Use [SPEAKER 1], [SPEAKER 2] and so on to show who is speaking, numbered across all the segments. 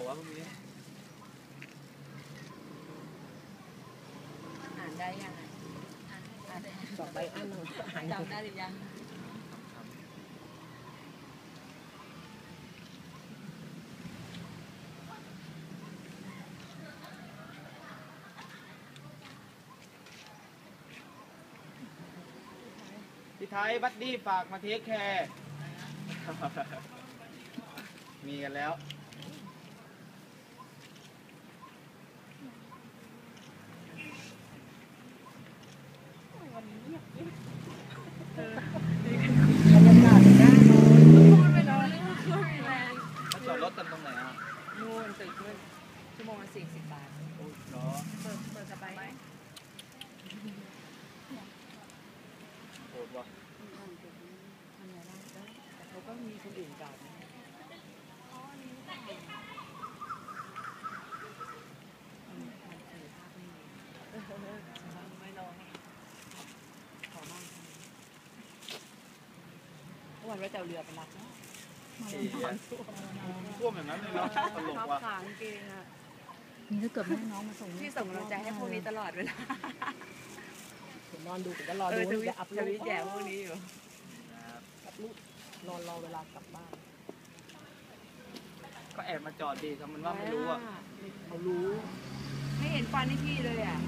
[SPEAKER 1] วะพวกนี้
[SPEAKER 2] อ่านได้ยัง
[SPEAKER 3] สอบใบอันหนึ่ง
[SPEAKER 2] จำได้หรือยัง
[SPEAKER 1] พี่ไทยบัดดี้ฝากมาเทคแคร์มีกันแล้ว
[SPEAKER 3] วันนี้เงียบกิ๊บบ
[SPEAKER 2] รรยากาศน่านอนพูดไปแล้วเรื่องแรง
[SPEAKER 1] แล้วจอดรถกันตรงไหนอ่ะ
[SPEAKER 2] นู่นตึกนู่นชั่วโมงละ40 บาท
[SPEAKER 1] โอ้ยเหรอ
[SPEAKER 2] เปิดสบายไหม
[SPEAKER 1] โหดว่ะ
[SPEAKER 2] ทำไงบ้างแต่เขาก็มีคนอื่นก่อนนะไม่ลองขอมั่งวันว่าจะเอาเรือไปรับนะ
[SPEAKER 1] ท่วมอย่างนั้นเลยเนาะตลกว่ะ
[SPEAKER 2] ขางเกงอ่ะ
[SPEAKER 3] นี่ถ้าเกิดแม่น้องมาส่ง
[SPEAKER 2] ที่ส่งกำลังใจให้พวกนี้ตลอดเวลา
[SPEAKER 3] ผมนอนดูผมก็รอดูจะอัพรูป
[SPEAKER 2] แย่พวกนี้อยู่
[SPEAKER 3] อัพรูปรอเวลากลับบ้าน
[SPEAKER 1] ก็แอบมาจอดดีทำมันว่าไม่รู้อ่ะ
[SPEAKER 3] เขารู้
[SPEAKER 2] ไม่เห็นฟันให้พี่เลยอ่ะ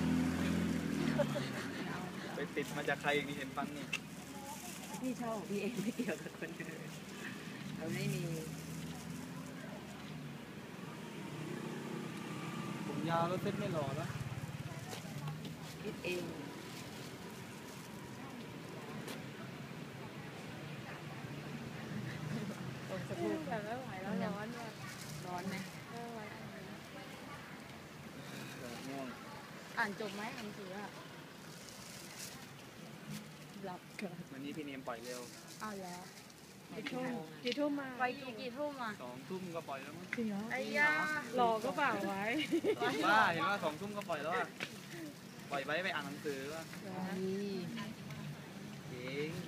[SPEAKER 1] ไปติดมาจากใครอย่างนี้เห็นฟังนี่
[SPEAKER 2] พี่ชอบพี่เองไม่เกี่ยวกับคนอื่นเราไม่มี
[SPEAKER 1] ผมยาวแล้วเซ็ตไม่หล่อแล้ว
[SPEAKER 2] คิดเอง
[SPEAKER 3] สักรูปแบบไม่ไหวแล้ว
[SPEAKER 2] ร้อนไหม
[SPEAKER 1] ง่วง
[SPEAKER 3] อ่านจบไหมหนังสืออะหลับกัน
[SPEAKER 1] วันนี้พี่เนียมปล่อยเร็ว
[SPEAKER 3] เอาแล้วกี่ทุ่มมา
[SPEAKER 2] ไปกี่ทุ่มอ่ะ
[SPEAKER 1] 2 ทุ่มก็ปล่อยแล้วมั้ง
[SPEAKER 3] จริงเหรอ
[SPEAKER 2] ไอ้ย่าร
[SPEAKER 3] อก็เปล่าไว้
[SPEAKER 1] บ้าเห็นว่า2 ทุ่มก็ปล่อยแล้วอ่ะปล่อยไว้ไปอ่านหนังสือว่ะจริง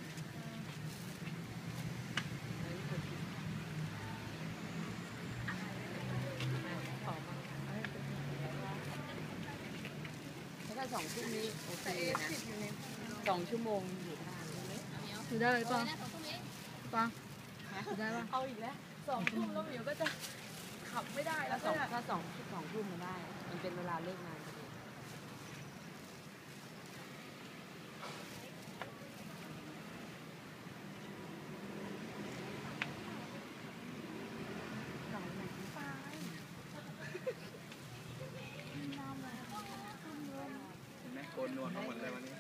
[SPEAKER 2] ถ้า2 ทุ่มนี้โอเคนะ2 ชั่วโมงอยู่ได้
[SPEAKER 3] อยู่ได้เลยป่ะอยู่ได้ป่ะ
[SPEAKER 2] เอาอีกแล้ว2 ทุ่มแล้วเดี๋ยวก็จะขับไม่ได้แล้วถ้า2 ทุ่มมันได้มันเป็นเวลาเลิกงานพอดี
[SPEAKER 1] โกนนวลทั้งหมดเลยวันนี้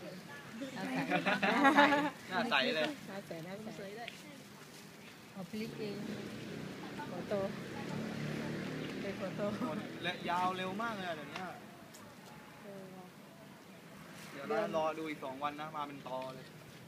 [SPEAKER 1] หน้าใสเลย
[SPEAKER 3] หน้าใสเลยเอาพลิกเองโฟโต้เป็นโฟโต้
[SPEAKER 1] และยาวเร็วมากเลยเดี๋ยวนี้เดี๋ยวรอดูอีก2 วันนะมาเป็นตอเลย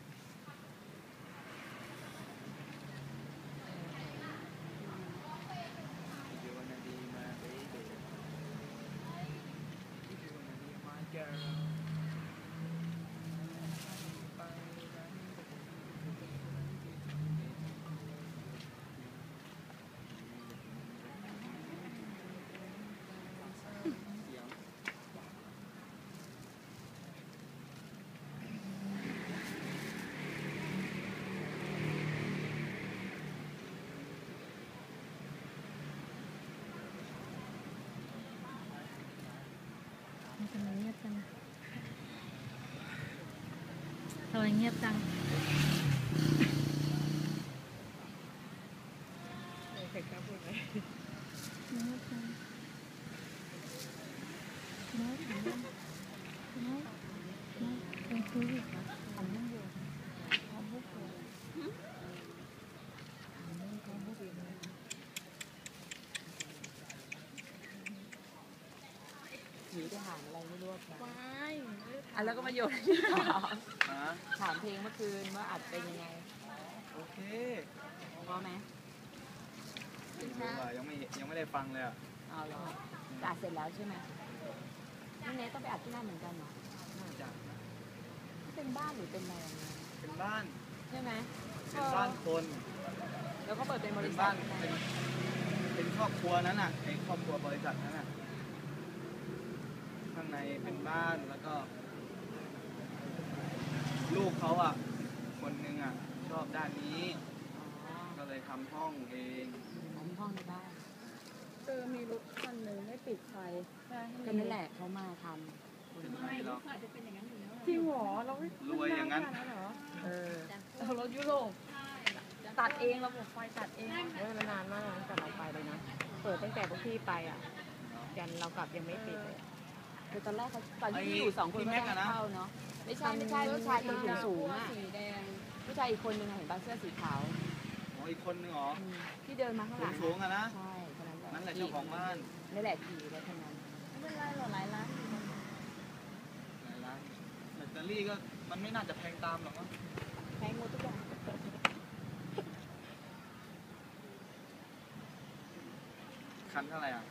[SPEAKER 3] ทำไมเงียบจังเผ็ดครับพูดไหมเงียบจังน้อยเป็นคือทำนั่งอยู่ทำบุกเลย
[SPEAKER 2] หนีไปหาอะไรไม่รู้นะ
[SPEAKER 3] ไม่
[SPEAKER 2] แล้วก็มาโยนถามเพลงเมื่อคืนว่าอัดเป็นยังไง
[SPEAKER 1] โอเค
[SPEAKER 2] พอไหม
[SPEAKER 1] ยังไม่ได้ฟังเลยอ่ะ
[SPEAKER 2] เอาเหรออัดเสร็จแล้วใช่ไหมนี่เนทต้องไปอัดที่นั่นเหมือนกันเหรอ
[SPEAKER 1] น่าจะ
[SPEAKER 2] เป็นบ้านหรือเป็นอะไร
[SPEAKER 1] เป็นบ้าน
[SPEAKER 2] ใช่ไหม
[SPEAKER 1] เป็นบ้านคน
[SPEAKER 2] แล้วก็เปิดเป็นบริษัท
[SPEAKER 1] เป็นเป็นครอบครัวนั้นน่ะไอ้ครอบครัวบริษัทนั้นน่ะข้างในเป็นบ้านแล้วก็ลูกเขาอ่ะคนหนึงอ่ะชอบด้านนี้
[SPEAKER 2] อ๋อ
[SPEAKER 1] ก็เลยทำห้องเอง
[SPEAKER 2] ของห้องในบ้าน
[SPEAKER 3] มีรถคันหนึ่งไม่ปิดไฟ
[SPEAKER 2] ก็นั่นแหละเขามาทำ
[SPEAKER 1] เป็นไงหรอก
[SPEAKER 3] จริงเหรอเราไม่
[SPEAKER 1] รวยอย่างนั้น
[SPEAKER 3] เหรอ
[SPEAKER 2] เออ
[SPEAKER 3] เรารถยุโรปตัดเองระบบไฟตัดเอง
[SPEAKER 4] เฮ้ยมันนานมากตั้งแต่เราไปเลยนะ เปิดตั้งแต่พวกพี่ไปอ่ะ ยันเรากลับยังไม่ปิดเลย
[SPEAKER 2] คือตอนแรกเขาตอนที่อยู่สองคนไม่ได้เข้าเนาะไม่ใช่ผู้ชายคนสูงๆอ่ะ
[SPEAKER 3] สีแดง
[SPEAKER 2] ผู้ชายอีกคนนึงอะเห็นบ้านเสื้อสีขาว
[SPEAKER 1] อ๋ออีกคนนึงเหรอ
[SPEAKER 2] ที่เดินมาข้างหลัง
[SPEAKER 1] สูงๆอะนะ
[SPEAKER 2] ใช่คนนั้นแหละ
[SPEAKER 1] นั่นแหละเจ้าของบ้าน
[SPEAKER 2] นี่แหละขี่รถคันนั้น
[SPEAKER 3] ไม่เป็นไรหรอกหลายร้านอยู่
[SPEAKER 1] ไหนร้านแบตเตอรี่ก็มันไม่น่าจะแพงตามหรอกมั้ง
[SPEAKER 2] แพงหมดทุกอย่าง
[SPEAKER 1] คันเท่าไหร่อ่ะ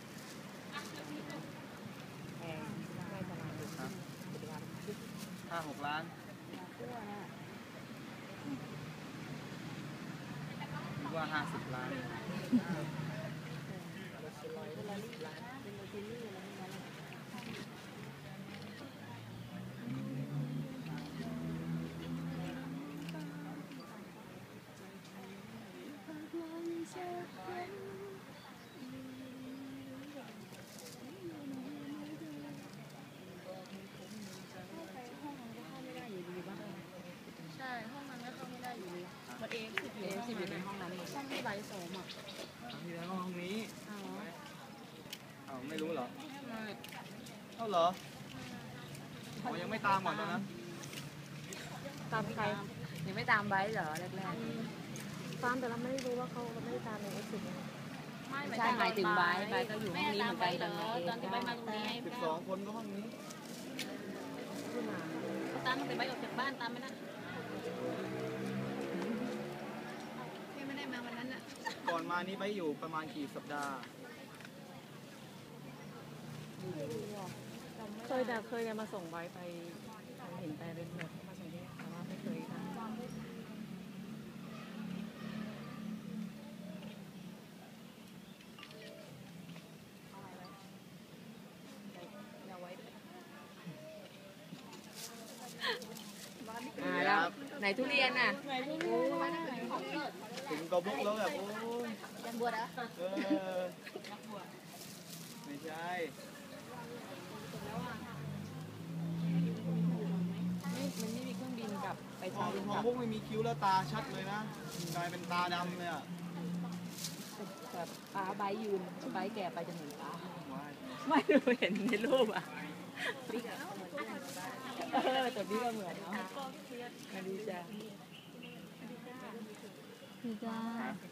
[SPEAKER 4] แพงไม่ประมาณนี้
[SPEAKER 1] ครับ
[SPEAKER 4] ปัจจุบัน
[SPEAKER 1] 5-6 ล้าน
[SPEAKER 2] ทั่วน่ะ
[SPEAKER 1] คิดว่า50 ล้าน
[SPEAKER 3] ใช่ห้องนั้นก็เข้าไม่ได้อยู่ดีมันเองสิบ
[SPEAKER 2] เอ๊ะสิบอยู่ในห้องนั้นหมด
[SPEAKER 3] ห้องที่ใบสองอ่ะ
[SPEAKER 1] ที่แล้วห้องนี้
[SPEAKER 3] อ๋อ
[SPEAKER 1] อ้าวไม่รู้เหรอ
[SPEAKER 3] ไม่
[SPEAKER 1] เท่าเหรออ๋อยังไม่ตามก่อนตอนนั้น
[SPEAKER 4] ตามใคร
[SPEAKER 2] ยังไม่ตามไว้เหรอแรก
[SPEAKER 4] ตามแต่เราไม่ได้รู้ว่าเขาไม่ได้ตามในเอ็กซ์
[SPEAKER 2] ๆใช่หมายถึงไบก็อยู่ห้องนี้เหมือนกันตอนที่ไบมาตรงนี้
[SPEAKER 1] 12 คนก็ห้องนี้
[SPEAKER 4] ขึ้นมา
[SPEAKER 3] ตามแต่ใบออกจากบ้านตามไม่ได้พี่ไม่ได้มาวันนั้นอ่ะ
[SPEAKER 1] ก่อนมานี้ไปอยู่ประมาณกี่สัปดาห์
[SPEAKER 4] เคยมาส่งไว้ไปเห็นไปเป็นแบบมาส่งที่แต่ว่าไม่เคยทำ
[SPEAKER 2] แล้วไหนทุเรียนน่ะ
[SPEAKER 1] ถึงกระบุกแล้วแบบโอ้ย
[SPEAKER 3] ยันบวชอ่ะ
[SPEAKER 1] เออไม่ใช่
[SPEAKER 2] มันไม่มีเครื่องบินกับไป
[SPEAKER 1] พอ
[SPEAKER 2] เช้าบิน
[SPEAKER 1] พ
[SPEAKER 2] ก
[SPEAKER 1] อ
[SPEAKER 2] ลับ
[SPEAKER 1] พวกไม่มีคิ้วแล้วตาชัดเลยนะกลายเป็นตาดำเลยอ่ะ
[SPEAKER 2] แบบป้าไบยืนไบแก่ไปจะเหมือนป้า
[SPEAKER 1] ว้าย
[SPEAKER 2] ไม่รู้เห็นในรูปอ่ะแต่พี่ก็เหมือนเนาะมาดีจ้ะ
[SPEAKER 3] พี่จ้า
[SPEAKER 1] ฮะ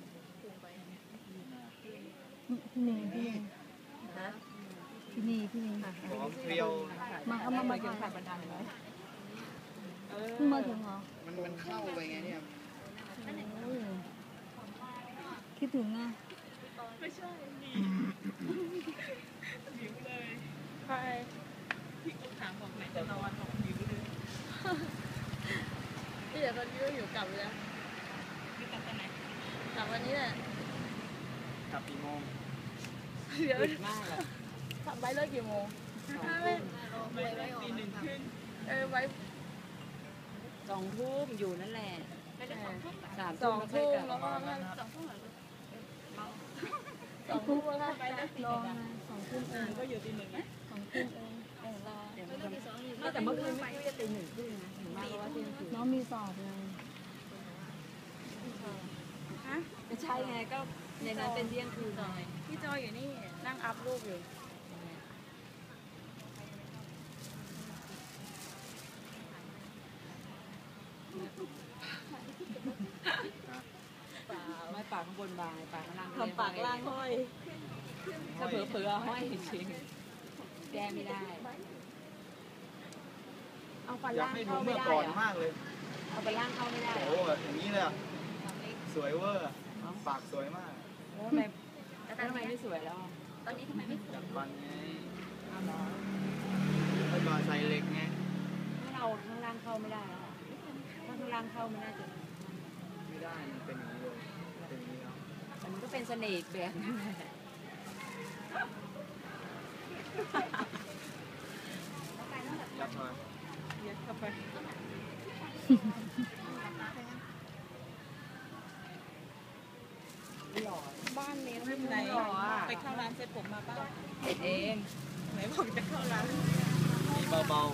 [SPEAKER 3] พี่เนยพี่เนย
[SPEAKER 2] ฮะ
[SPEAKER 3] พี่เนยพี่เนย
[SPEAKER 1] หอมเพรียว
[SPEAKER 3] มาเอามา
[SPEAKER 2] เกี่ยวกับบันดาลไหม
[SPEAKER 3] เพิ่งมาถึงเหรอ
[SPEAKER 1] มันเข้าไปไงเนี่ย
[SPEAKER 3] โอ้ยคิดถึงอ่ะ
[SPEAKER 2] ใช่ถามบอกไหนจะนอนบอกหิวเลย
[SPEAKER 3] พี่เดี๋ยวตอนนี้ก็อยู่กลับแล้ว
[SPEAKER 2] นี่กลับตอนไหน
[SPEAKER 3] กลับวันนี้แหละ
[SPEAKER 1] กลับกี่โมง
[SPEAKER 3] เดี๋ยว
[SPEAKER 2] ดึกมากเลย
[SPEAKER 3] ทำไว้เลิกกี่โมง
[SPEAKER 2] ตีหนึ่งขึ้น
[SPEAKER 3] ไว้
[SPEAKER 2] 2 ทุ่มอยู่นั่นแหละ3
[SPEAKER 3] สองทุ่มแล้วก็
[SPEAKER 1] สองทุ่ม
[SPEAKER 3] 2 ทุ่มแล้วก็รอไง2 ทุ่มเองก็อยู่ตี 1นะ2 ทุ่มเองรอ
[SPEAKER 2] แต่เมื่อคืนไม่ได้ตี1 ครึ่งนะถึงมากเพราะว่าเที่ยงคืน
[SPEAKER 3] น้องมีสอบไง
[SPEAKER 2] ไม่ใช่ไงก็ในนั้นเป็นเที่ยงคืนไง
[SPEAKER 3] พี่จอยอยู่นี่นั่งอัพรูปอยู่
[SPEAKER 2] ไม่ปากข้างบนบางปากข้างล่าง
[SPEAKER 3] ทำปากล่างห้อย
[SPEAKER 2] ถ้าเผลอๆห้อยจริงแก้ไม่ได้ เอาฟัน
[SPEAKER 1] อยาก
[SPEAKER 2] ล่าง
[SPEAKER 1] ให้ดู
[SPEAKER 2] เข้าไม่
[SPEAKER 1] เมื่อ
[SPEAKER 2] ได้
[SPEAKER 1] ก่อน
[SPEAKER 2] เหรอ
[SPEAKER 1] มากเลย
[SPEAKER 2] เอาฟันล่างเข้าไม่ได้เหร
[SPEAKER 1] โอ้
[SPEAKER 2] อ
[SPEAKER 1] โหอย่างนี้เลยอะสวยเวอร์อะปากสวยมาก
[SPEAKER 2] แล้วทำไมไม่สวยแล้ว
[SPEAKER 3] ตอนนี้ทำไมไม่
[SPEAKER 1] จัดฟันไง
[SPEAKER 2] เอาเหรอ
[SPEAKER 1] แล้วก็ใส่เหล็กไง
[SPEAKER 2] ถ้าเราข้างล่างเข้าไม่ได้แล้วอะถ้าข้างล่างเข้าไม่น่าจะ
[SPEAKER 1] ไม่ได้มันเป็นอย่างนี้เลยเป็นอย่างนี้แล้ว
[SPEAKER 2] แต่มันก็เป็นเสน่ห์อีกแบบนึง
[SPEAKER 1] ยัดมา
[SPEAKER 3] เย็ดเข้าไป
[SPEAKER 4] บ้านนี้
[SPEAKER 3] ไม่เป็นไรไปเข้าร้านเซ็ตผมมาเปล่า
[SPEAKER 2] เด็ดเอง
[SPEAKER 3] ไหนบอกจะเข้าร้าน
[SPEAKER 1] มีเบา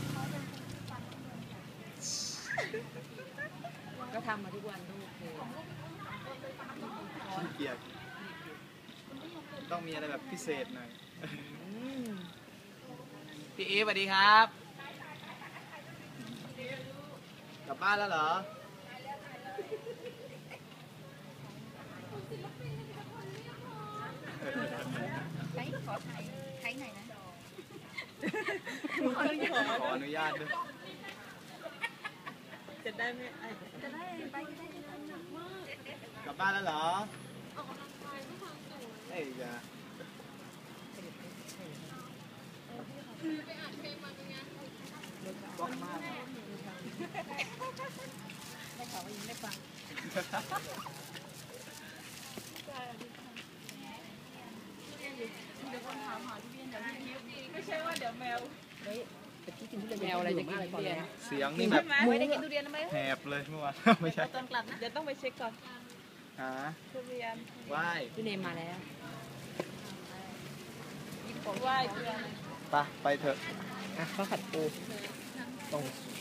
[SPEAKER 2] ก็ทำมาทุกวันก็โอเค
[SPEAKER 1] ๆขี้เกียจต้องมีอะไรแบบพิเศษหน่อย พี่อีฟสวัสดีครับ กลับบ้านแล้วเหรอ
[SPEAKER 4] ใช้ขอใช้หน่อยนะ
[SPEAKER 1] ขออนุญาตด้วย
[SPEAKER 3] จะได้ไม่ไอ้
[SPEAKER 1] กลับบ้านแล้วเหรอเอ้ยอย่าบอกมาก
[SPEAKER 3] ได้ข่าวว่ายังไม่ฟังเดี๋ยวคนถามหาพี่เบียนเดี๋ยวพี่คิ้วไม่ใช่ว่าเดี๋ยวแมว
[SPEAKER 2] แมวอะไรจะกินทุเรียน
[SPEAKER 1] เสียงนี่แบบ
[SPEAKER 2] ไม่ได้กินทุเรียนไหม
[SPEAKER 1] แหบเลยเมื่อวาน ไม่ใช่
[SPEAKER 3] ตอนกลับนะเดี๋ยวต้องไปเช็คก่อน
[SPEAKER 1] หา
[SPEAKER 3] ทุเรียน
[SPEAKER 1] ไหว้
[SPEAKER 2] พี่เนมมาแล้ว
[SPEAKER 3] ของไหว้เพื่อน
[SPEAKER 1] ไปเถอะ
[SPEAKER 2] อ่ะข้าวผัดปู
[SPEAKER 1] ต้อง